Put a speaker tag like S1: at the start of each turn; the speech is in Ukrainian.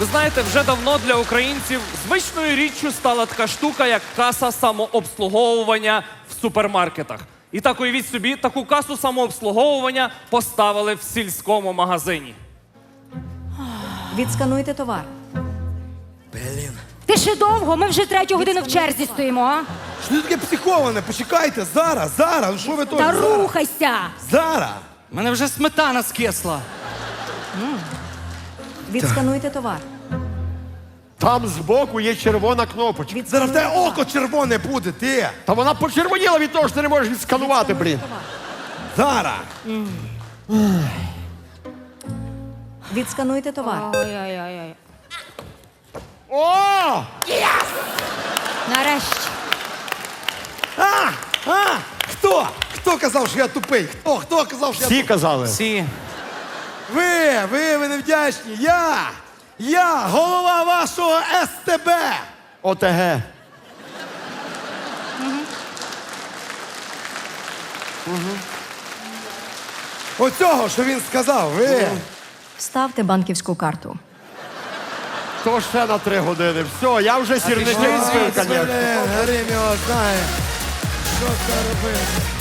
S1: Ви знаєте, вже давно для українців звичною річчю стала така штука, як каса самообслуговування в супермаркетах. І так уявіть собі, таку касу самообслуговування поставили в сільському магазині.
S2: Відскануйте товар.
S3: Блін.
S4: Ти ще довго? Ми вже 3 годину в черзі стоїмо, а?
S3: Що ти таке психоване? Почекайте, зараз. Ну що ви тут?
S4: Та
S3: Зараз.
S4: рухайся!
S3: Зараз.
S1: У мене вже сметана скисла.
S2: Відскануйте товар.
S5: Там збоку є червона кнопочка.
S3: Зараз в тебе око червоне буде, ти.
S5: Та вона почервоніла від того, що ти не можеш відсканувати, блін.
S3: Зараз.
S2: Відскануйте товар.
S4: Ой-ой-ой.
S5: О!
S4: Нарешті.
S3: Хто? Хто казав, що я тупий? Хто казав, що я
S5: Всі
S3: тупий?
S5: казали.
S1: Всі.
S3: Ви невдячні. Я голова вашого СТБ.
S5: ОТГ.
S3: Оцього, що він сказав, ви.
S2: Ставте банківську карту.
S5: То ще на 3 години. Все, я вже сірничний збив, звісно.
S3: Грим його знає. Що це робити?